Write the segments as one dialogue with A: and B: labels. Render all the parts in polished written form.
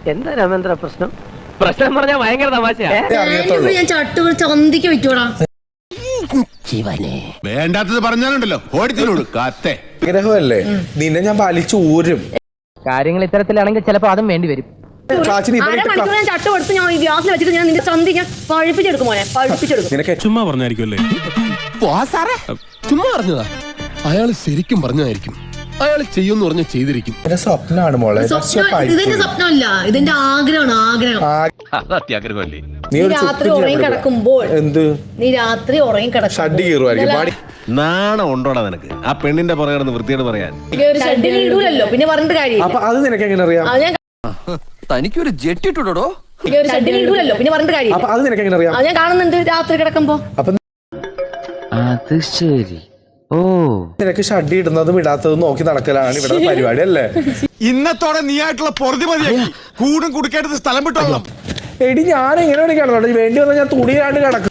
A: എന്താ രാമേന്ദ്ര പ്രശ്നം? പ്രശ്നം പറഞ്ഞാൽ ഭയങ്കര തമാശയാ.
B: ഞാൻ ചട്ടു ചന്തിക്ക് വിറ്റോടാ.
C: വേണ്ടാത്തത് പറഞ്ഞാലുണ്ടല്ലോ ഓടിത്തിനോട് കാത്തേ.
D: ആഗ്രഹമല്ലേ നിന്നെ ഞാൻ വലിച്ചു ഊരും.
A: കാര്യങ്ങൾ ഇത്തരത്തിലാണെങ്കിൽ ചിലപ്പോ അതും വേണ്ടി വരും.
B: ഞാൻ ചട്ടു കൊടുത്ത് ഞാൻ ഗ്യാസിൽ വെച്ചിട്ട് ഞാൻ നിന്റെ ചന്തി ഞാൻ പഴുപ്പിച്ചെടുക്കും മോനെ, പഴുപ്പിച്ചെടുക്കും.
C: ചുമ്മാ പറഞ്ഞായിരിക്കുമല്ലേ?
E: ചുമ്മാ പറഞ്ഞതാ. അയാൾ ശരിക്കും പറഞ്ഞതായിരിക്കും. അയാൾ ചെയ്യുമെന്ന് പറഞ്ഞ ചെയ്തിരിക്കും.
D: സ്വപ്നമാണ് മോളെ.
B: ഇതിന്റെ സ്വപ്നമല്ല, ഇതിന്റെ ആഗ്രഹമാണ്.
C: അത്യാഗ്രഹമല്ലേ?
B: നീ രാത്രി ഉറങ്ങി കിടക്കുമ്പോൾ നീ രാത്രി ഉറങ്ങി കിടക്കുമ്പോൾ
C: നാണം ഉണ്ടോടാ നിനക്ക്? ആ പെണ്ണിന്റെ പുറകെ വൃത്തിയോട് പറയാൻ
B: ഇടൂലല്ലോ, പിന്നെ പറഞ്ഞിട്ട് കാര്യം.
D: അത് നിനക്ക് എങ്ങനെ അറിയാം?
E: തനിക്കൊരു ജെറ്റ് ഇട്ടുടോ?
B: ഇടൂലല്ലോ, പിന്നെ പറഞ്ഞിട്ട് കാര്യം.
D: അത് നിനക്ക് എങ്ങനെ അറിയാം?
B: ഞാൻ കാണുന്നുണ്ട് രാത്രി കിടക്കുമ്പോ.
A: അത് ശരി. ഓ,
D: നിനക്ക് ഷഡ്ഡി ഇടുന്നതും ഇടാത്തതും നോക്കി നടക്കലാണ് ഇവിടെ പരിപാടി അല്ലേ?
C: ഇന്നത്തോടെ നീ ആയിട്ടുള്ള പൊറുതി മതിയാക്കി കൂടും കുടിക്കേണ്ടത് സ്ഥലം വിട്ടോളാം.
D: എടി ഞാൻ എങ്ങനെ വേണ്ടി വേണ്ടി വന്നാൽ ഞാൻ തുണിയാണ്ട് കിടക്കും.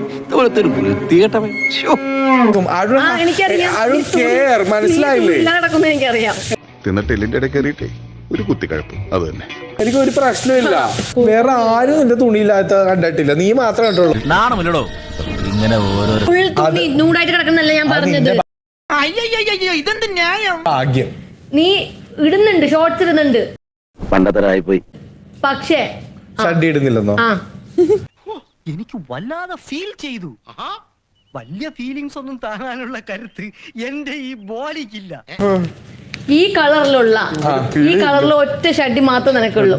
D: മനസ്സിലായില്ലേ?
B: എനിക്കറിയാം.
F: തിന്നിട്ടെല്ലിന്റെ ഇടയിൽ കയറിയിട്ടേ ഒരു കുത്തിക്കഴപ്പ്. അത് തന്നെ.
D: എനിക്ക് ഒരു പ്രശ്നമില്ല. വേറെ ആരും നിന്റെ തുണിയില്ലാത്ത കണ്ടിട്ടില്ല, നീ മാത്രമേ കണ്ടുള്ളൂ.
E: നാണമല്ലടോ ഇങ്ങനെ
B: നൂടായിട്ട് കിടക്കുന്നല്ല ഞാൻ പറഞ്ഞത്.
E: ഇതെന്ത് ന്യായം?
D: ഭാഗ്യം
B: നീ ഇടുന്നുണ്ട്, ഷോർട്സ് ഇടുന്നുണ്ട്,
A: പണ്ടത്തരായി പോയി.
B: പക്ഷേ
D: ഷഡ്ഡി ഇടുന്നില്ലെന്നോ?
G: എനിക്ക് വല്ലാതെ ഫീൽ ചെയ്തു. വലിയ ഫീലിങ്സ് ഒന്നും താങ്ങാനുള്ള കരുത്ത് എന്റെ ഈ ബോഡിക്കില്ല.
B: ഈ കളറിലുള്ള ഒറ്റ ഷഡ്ഡി മാത്രം നിനക്കുള്ളൂ.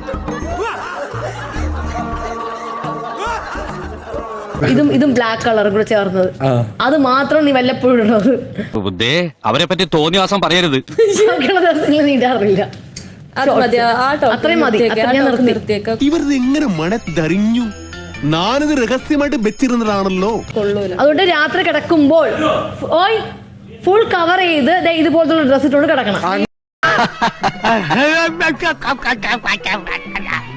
B: ഇതും ബ്ലാക്ക് കളർ കൂടെ ചേർന്നത്, അത് മാത്രം നീ വല്ലപ്പോഴും ഇടുന്നത്.
H: അവരെ പറ്റി തോന്നിയ പറയരുത്.
B: നീ ഇടാറില്ല. അത്രയും മതി, ഞാൻ നിർത്തിയേക്കാം.
C: ഇവരത് എങ്ങനെ മണത്തറിഞ്ഞു? ഞാനിത് രഹസ്യമായിട്ട് വെച്ചിരുന്നതാണല്ലോ.
B: അതുകൊണ്ട് രാത്രി കിടക്കുമ്പോൾ ഫുൾ കവർ ചെയ്ത് ഇതുപോലത്തെ ഡ്രസ് ഇട്ടുകൊണ്ട് കിടക്കണം.